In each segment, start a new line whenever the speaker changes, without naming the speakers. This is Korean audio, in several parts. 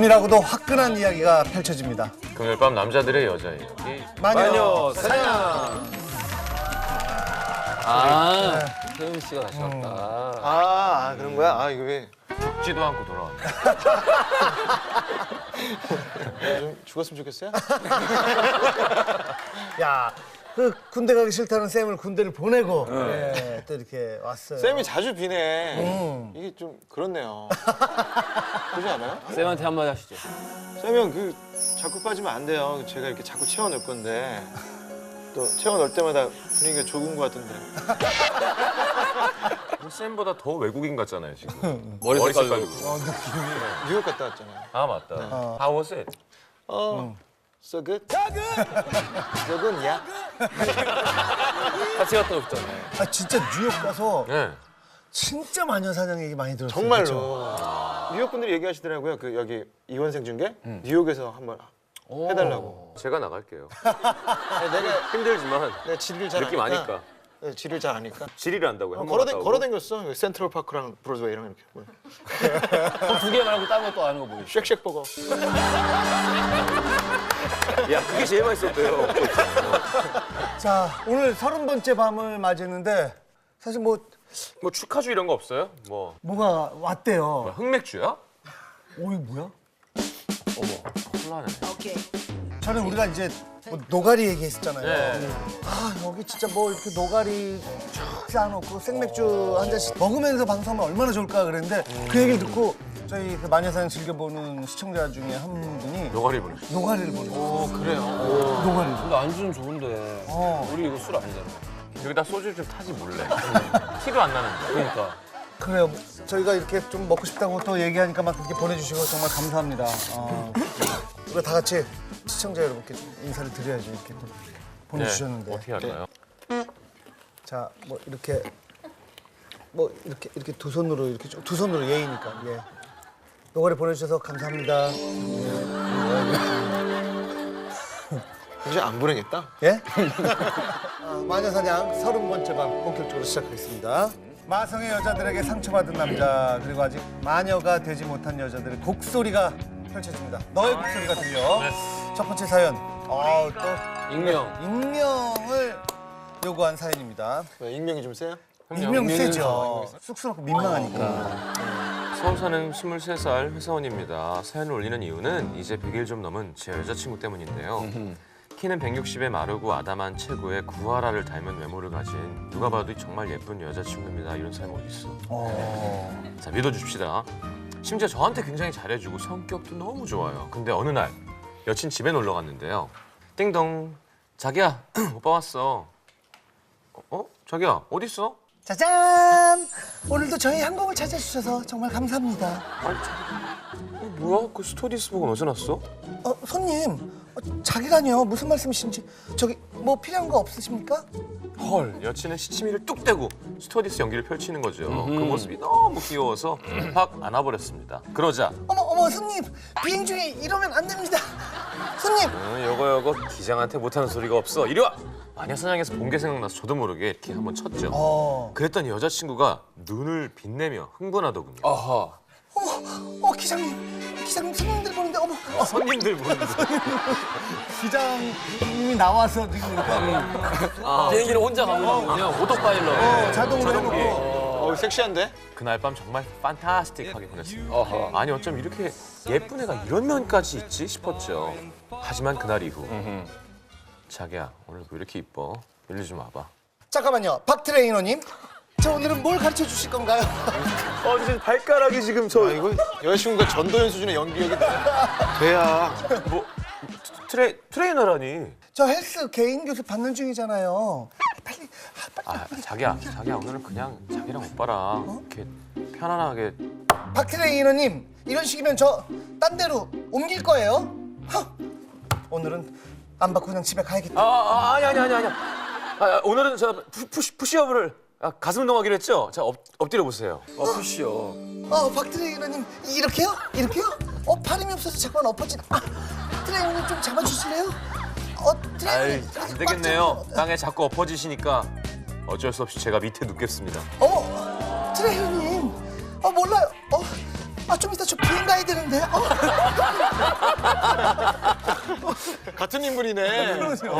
은밀하고도 화끈한 이야기가 펼쳐집니다.
금요일 밤 남자들의 여자 이야기.
마녀 사냥.
세훈 씨가 다시 왔다.
그런 거야? 아, 이거 왜
죽지도 않고 돌아왔네.
좀 죽었으면 좋겠어요?
야, 그 군대 가기 싫다는 쌤을 군대를 보내고 예, 또 이렇게 왔어요.
쌤이 자주 비네. 이게 좀 그렇네요. 그러지 않아요?
쌤한테 한마디 하시죠.
쌤이 형, 자꾸 빠지면 안 돼요. 제가 이렇게 자꾸 채워넣을 건데. 또 채워넣을 때마다 분위기가 좋은 것 같은데.
쌤보다 더 외국인 같잖아요 지금.
머리 색깔도.
뉴욕 갔다 왔잖아요.
아 맞다. How was it?
So good? So good, 야?
같이 갔다 오셨잖아요.
아, 진짜 뉴욕 가서
네.
진짜 마녀 사냥 얘기 많이 들었어요.
정말로.
그쵸?
뉴욕 분들이 얘기하시더라고요. 그 여기 이원생 중계 뉴욕에서 한번 해달라고.
제가 나갈게요.
내가
힘들지만
지리를 잘
느낌
아니까.
아니까.
네, 지리를 잘 아니까.
지리를 안다고요? 한번 갔다 오고?
걸어다녔어. 센트럴 파크랑 브로드웨이랑 이렇게.
두 개 말고 다른 것도 아는 거 보이시죠?
쉑쉑 버거.
야 그게 제일 맛있었대요.
자, 오늘 30번째 밤을 맞이했는데 사실
뭐 축하주 이런 거 없어요? 뭐
뭐가 왔대요.
흑맥주야?
오, 이거 뭐야?
콜라네.
저는 우리가 이제 뭐 노가리 얘기했었잖아요.
네.
아, 여기 진짜 뭐 이렇게 노가리 쫙 쌓아놓고 생맥주 한 잔씩 먹으면서 방송하면 얼마나 좋을까 그랬는데 그 얘기를 듣고 저희 그 마녀사냥 즐겨보는 시청자 중에 한 분이
노가리 보내주세요.
노가리를 보내요.
그래요.
노가리를.
근데 안주는 좋은데 우리 이거 술 아니잖아요.
여기다 소주 좀 타지 몰래. 티도 안 나는데.
그러니까.
그래요. 저희가 이렇게 좀 먹고 싶다고 또 얘기하니까 막 그렇게 보내주시고 정말 감사합니다. 우리가 다 같이 시청자 여러분께 좀 인사를 드려야죠. 이렇게 또 보내주셨는데.
네. 어떻게 할까요?
자, 뭐 이렇게 이렇게 두 손으로 이렇게 두 손으로 예의니까. 예. 노가리 보내주셔서 감사합니다.
이제 안 보내겠다.
예? 마녀사냥 30번째 밤 본격적으로 시작하겠습니다. 마성의 여자들에게 상처받은 남자 그리고 아직 마녀가 되지 못한 여자들의 곡소리가 펼쳐집니다. 너의 곡소리가 들려. 첫 번째 사연. 또 익명을 요구한 사연입니다.
왜, 익명이 좀 세요?
익명 세죠. 쑥스럽고 민망하니까.
서울 사는 23살 회사원입니다. 사연을 올리는 이유는 이제 100일 좀 넘은 제 여자친구 때문인데요. 키는 160에 마르고 아담한 체구에 구하라를 닮은 외모를 가진 누가 봐도 정말 예쁜 여자친구입니다. 이런 사람이 어디 있어? 자, 믿어줍시다. 심지어 저한테 굉장히 잘해주고 성격도 너무 좋아요. 근데 어느 날 여친 집에 놀러 갔는데요. 띵동. 자기야, 오빠 왔어. 자기야, 어디 있어?
짜잔! 오늘도 저희 항공을 찾아주셔서 정말 감사합니다.
뭐야? 그 스튜어디스복은 어디서 났어?
손님, 자기라뇨. 무슨 말씀이신지. 저기 뭐 필요한 거 없으십니까?
헐, 여친은 시치미를 뚝 떼고 스튜어디스 연기를 펼치는 거죠. 그 모습이 너무 귀여워서 확 안아버렸습니다. 그러자
어머, 손님. 비행 중에 이러면 안 됩니다. 손님!
여거 기장한테 못하는 소리가 없어. 이리 와! 마녀사냥에서 본 게 생각나서 저도 모르게 이렇게 한번 쳤죠. 그랬더니 여자친구가 눈을 빛내며 흥분하더군요.
아하.
기장님 손님들 보는데 어머.
손님들 보는데.
기장님이 나와서 지금 이렇게
비행기를 혼자 가보는군요. 오토파일럿.
자동으로 해놓고.
섹시한데?
그날 밤 정말 판타스틱하게 보냈습니다.
아하.
아니 어쩜 이렇게 예쁜 애가 이런 면까지 있지 싶었죠. 하지만 그날 이후 자기야 오늘 왜 이렇게 이뻐? 일리 좀 와봐.
잠깐만요. 박 트레이너님. 저 오늘은 뭘 가르쳐 주실 건가요?
지금 발가락이 지금
이거 여자친구가 전도연 수준의 연기력이 돼야.
뭐 트레이너라니.
저 헬스 개인 교습 받는 중이잖아요. 빨리.
자기야 오늘은 그냥 자기랑 오빠랑 이렇게 편안하게.
박 트레이너님, 이런 식이면 저 딴 데로 옮길 거예요? 오늘은 안 받고 그냥 집에 가야겠다.
아니야. 오늘은 저 푸시업을 가슴 운동하기로 했죠. 자 엎드려 보세요.
푸시요.
박 트레이너님, 이렇게요? 팔힘이 없어서 자꾸만 엎어지나. 트레이너님 좀 잡아주실래요? 트레이너님.
안 되겠네요. 땅에 자꾸 엎어지시니까 어쩔 수 없이 제가 밑에 눕겠습니다.
트레이너님. 몰라요. 좀 이따 저 비행 가야 되는데.
같은 인물이네.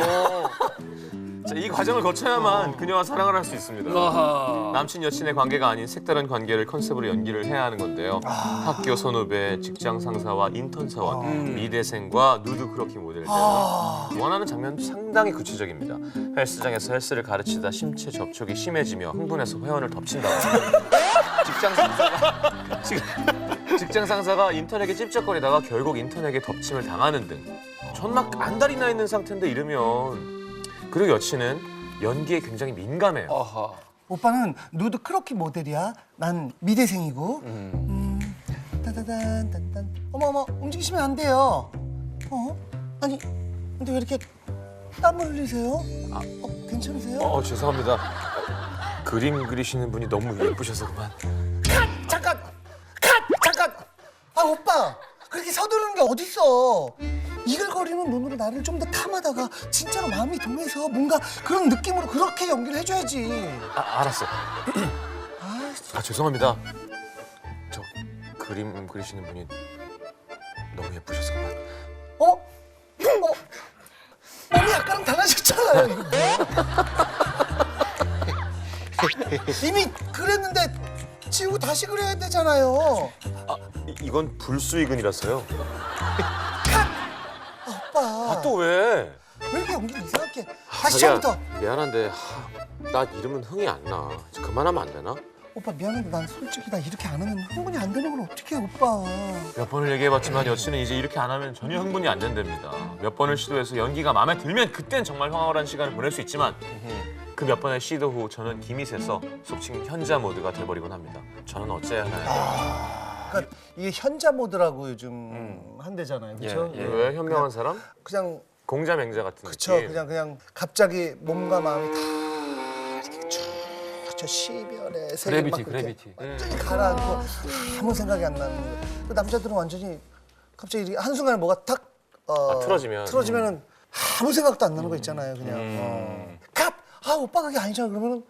자, 이 과정을 거쳐야만 그녀와 사랑을 할 수 있습니다.
아하.
남친 여친의 관계가 아닌 색다른 관계를 컨셉으로 연기를 해야 하는 건데요. 학교 선후배, 직장 상사와 인턴 사원, 미대생과 누드 크로키 모델 등 원하는 장면도 상당히 구체적입니다. 헬스장에서 헬스를 가르치다 신체 접촉이 심해지며 흥분해서 회원을 덮친다거나 직장 상사가 인턴에게 찝쩍거리다가 결국 인턴에게 덮침을 당하는 등 전막 안달이 나 있는 상태인데 이러면 그리고 여친은 연기에 굉장히 민감해요.
아하.
오빠는 누드 크로키 모델이야. 난 미대생이고. 따다단 딴딴. 어머 움직이시면 안 돼요. 아니 근데 왜 이렇게 땀을 흘리세요? 괜찮으세요?
죄송합니다. 그림 그리시는 분이 너무 예쁘셔서 그만.
잠깐! 아 오빠 그렇게 서두르는 게 어딨어. 이글거리는 눈으로 나를 좀 더 탐하다가 진짜로 마음이 동해서 뭔가 그런 느낌으로 그렇게 연기를 해줘야지.
알았어. 죄송합니다. 저 그림 그리시는 분이 너무 예쁘셔서 그만.
몸이 아까랑 달라졌잖아요. 이거 뭐야? 이미 그랬는데 지우고 다시 그려야 되잖아요.
이건 불수의근이라서요.
오빠
또 왜?
왜 이렇게 연기를 이상하게 다시 처음부터.
미안한데 나 이러면 흥이 안 나. 이제 그만하면 안 되나?
오빠 미안한데 난 솔직히 나 이렇게 안 하면 흥분이 안 되는 걸 어떻게 해 오빠.
몇 번을 얘기해봤지만 여친은 이제 이렇게 안 하면 전혀 흥분이 안 된답니다. 몇 번을 시도해서 연기가 마음에 들면 그땐 정말 황홀한 시간을 보낼 수 있지만 그 몇 번의 시도 후 저는 김이 새서 속칭 현자 모드가 돼버리곤 합니다. 저는 어째야 하나요?
그러니까 이게 현자 모드라고 요즘 한대잖아요, 그렇죠?
왜 현명한 사람?
그냥
공자 맹자 같은
그쵸
느낌.
그냥 갑자기 몸과 마음이 다 이렇게 쭉 저 시별의 세계 막 그렇게
그래비티.
완전히 가라앉고 아무 생각이 안 나는 거예요. 그 남자들은 완전히 갑자기 이렇게 한순간에 뭐가 탁 틀어지면은 아무 생각도 안 나는 거 있잖아요, 그냥. 갑! 오빠 그게 아니잖아 그러면은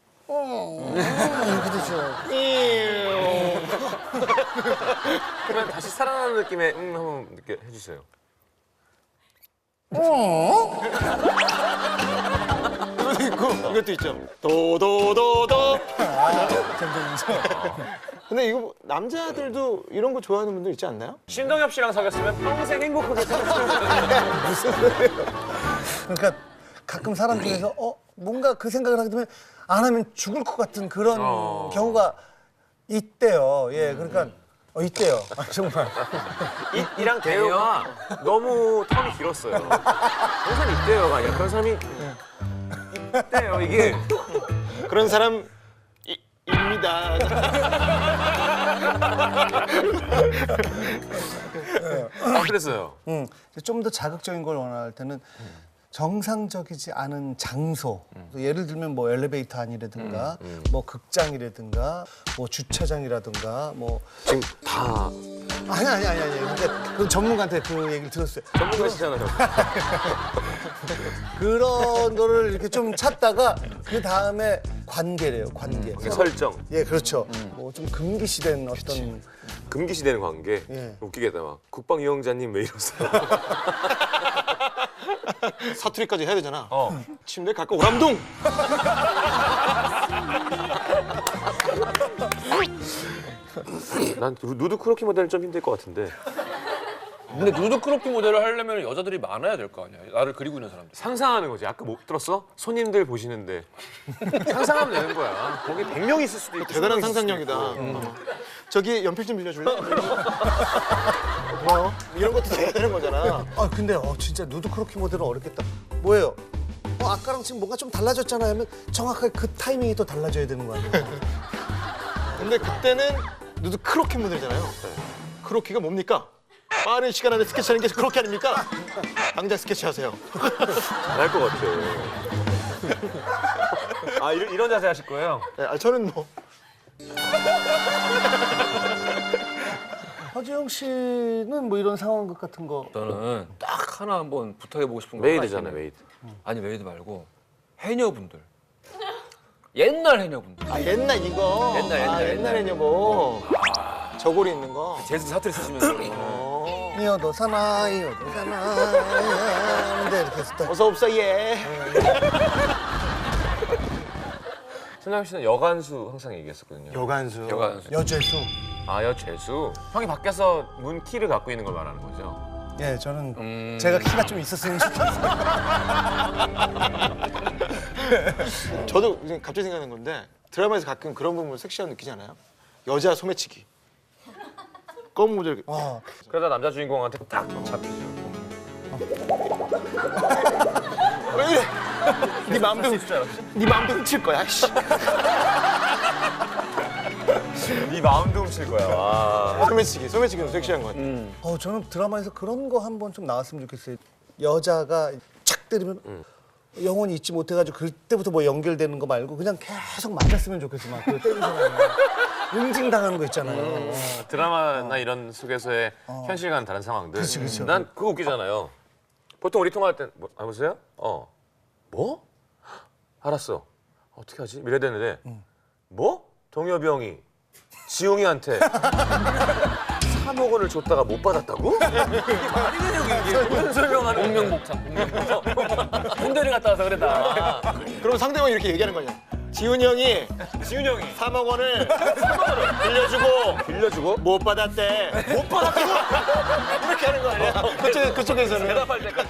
이렇게 되죠.
그러면 다시 살아나는 느낌의 한번 느껴 해주세요.
이것도 있죠. 도도도도.
점점.
근데 이거 뭐 남자들도 이런 거 좋아하는 분들 있지 않나요?
신동엽 씨랑 사귀었으면 평생 행복하게 살았을
그러니까 가끔 사람 중에서 뭔가 그 생각을 하게 되면 안 하면 죽을 것 같은 그런 경우가 있대요. 예, 그러니까 있대요. 정말.
이랑 대요가 너무 텀이 길었어요. 항상 이때요가 아니라 그런 사람이 있대요 이게.
그런 사람 입니다.
그랬어요.
좀 더 자극적인 걸 원할 때는 정상적이지 않은 장소. 예를 들면 뭐 엘리베이터 안이라든가 뭐 극장이라든가 뭐 주차장이라든가 뭐
지금 다
아니. 근데 그 전문가한테 그 얘기를 들었어요.
전문가시잖아요.
그런 거를 이렇게 좀 찾다가 그 다음에 관계래요, 관계.
설정.
예, 그렇죠. 뭐 좀 금기시된 어떤
금기시되는 관계.
예.
웃기겠다 막. 국방위원장님 왜 이러세요?
사투리까지 해야 되잖아. 침대 갖고 오람동.
난 누드 크로키 모델은 좀 힘들 것 같은데.
근데 누드 크로키 모델을 하려면 여자들이 많아야 될 거 아니야. 나를 그리고 있는 사람들.
상상하는 거지. 아까 못 들었어? 손님들 보시는데 상상하면 되는 거야. 거기 100명 있을 수도 있고.
대단한
20명 있을 수도
상상력이다.
있고.
저기 연필 좀 빌려줄래? 뭐 이런 것도 돼야 되는 거잖아.
근데 진짜 누드 크로키 모델은 어렵겠다. 뭐예요? 아까랑 지금 뭔가 좀 달라졌잖아요 하면 정확하게 그 타이밍이 또 달라져야 되는 거 아니에요?
근데 그때는 누드 크로키 모델이잖아요. 크로키가 뭡니까? 빠른 시간 안에 스케치하는 게 크로키 아닙니까? 당장 스케치하세요.
알 것 같아. 이런 자세 하실 거예요?
네, 저는 뭐
허지영 씨는 뭐 이런 상황극 같은 거
저는 딱 하나 한번 부탁해보고 싶은 거
메이드잖아,
하나 있어요.
메이드.
아니 메이드 말고 해녀분들. 옛날 해녀분들.
옛날 이거.
옛날
옛날 해녀 뭐 저고리 있는 거.
재즈 사투리 쓰시면서
이어도 사나 하는데 이렇게 했을 때
어서 없어 예.
천장 씨는 여간수 항상 얘기했었거든요.
여간수.
여죄수.
아, 여재수. 형이 밖에서 문 키를 갖고 있는 걸 말하는 거죠?
예, 저는 제가 키가 좀 있었으면 좋겠어요.
저도 지금 갑자기 생각난 건데 드라마에서 가끔 그런 부분 섹시한 느끼지 않아요? 여자 소매치기. 검은 모자 이렇게.
그러다 남자 주인공한테 딱 잡히죠.
왜 이래? 네 마음도 훔칠 거야. 씨.
네 마음도 훔칠 거야. 와.
소매치기는 섹시한 거 같아.
저는 드라마에서 그런 거 한번 좀 나왔으면 좋겠어요. 여자가 착 때리면 영혼이 잊지 못해가지고 그때부터 뭐 연결되는 거 말고 그냥 계속 맞았으면 좋겠어. 막 그 때리는 사람이 응징당하는 거 있잖아요.
드라마나 이런 속에서의 현실과는 다른 상황들.
그치.
난 그거 웃기잖아요. 보통 우리 통화할 땐 뭐, 여보세요? 뭐? 알았어. 어떻게 하지? 이래야 되는데 뭐? 동엽이 형이 지용이한테 3억 원을 줬다가 못 받았다고? 이게 말이 되냐고 이게. 무슨 설명하는
공명복창. 군대를 갔다 와서 그래 나.
그럼 상대방이 이렇게 얘기하는 거냐? 지훈이 형이 3억 원을 빌려주고 못 받았대. 못 받았다고? 이렇게 하는 거 아니야? 그쪽에서는.
대답할 때까지.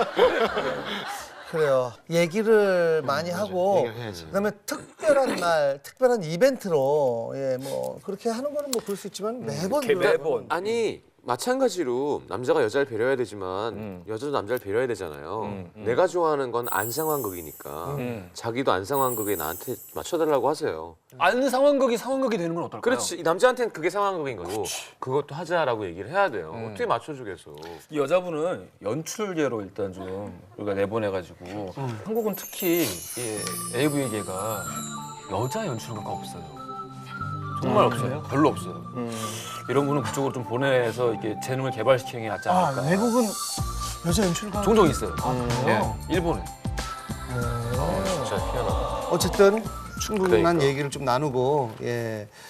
그래요. 얘기를 많이 하고
얘기를 해야지.
그다음에 특별한 날, 특별한 이벤트로 뭐 그렇게 하는 거는 뭐 그럴 수 있지만 매번
매번.
아니 마찬가지로 남자가 여자를 배려해야 되지만 여자도 남자를 배려해야 되잖아요. 내가 좋아하는 건 안상황극이니까 자기도 안상황극에 나한테 맞춰달라고 하세요.
안 상황극이 되는 건 어떨까요?
그렇지. 이 남자한테는 그게 상황극인 거고 그것도 하자라고 얘기를 해야 돼요. 어떻게 맞춰주겠어.
이 여자분은 연출계로 일단 좀 우리가 내보내가지고 한국은 특히 이 AV계가 여자 연출가가 없어요. 정말 없어요. 별로 없어요. 이런 분은 그쪽으로 좀 보내서 이렇게 재능을 개발시키는 게 낫지 않을까.
외국은 여자 연출가
종종 있어요.
그래요?
예, 일본에.
진짜 희한하다.
어쨌든 충분한
그러니까.
얘기를 좀 나누고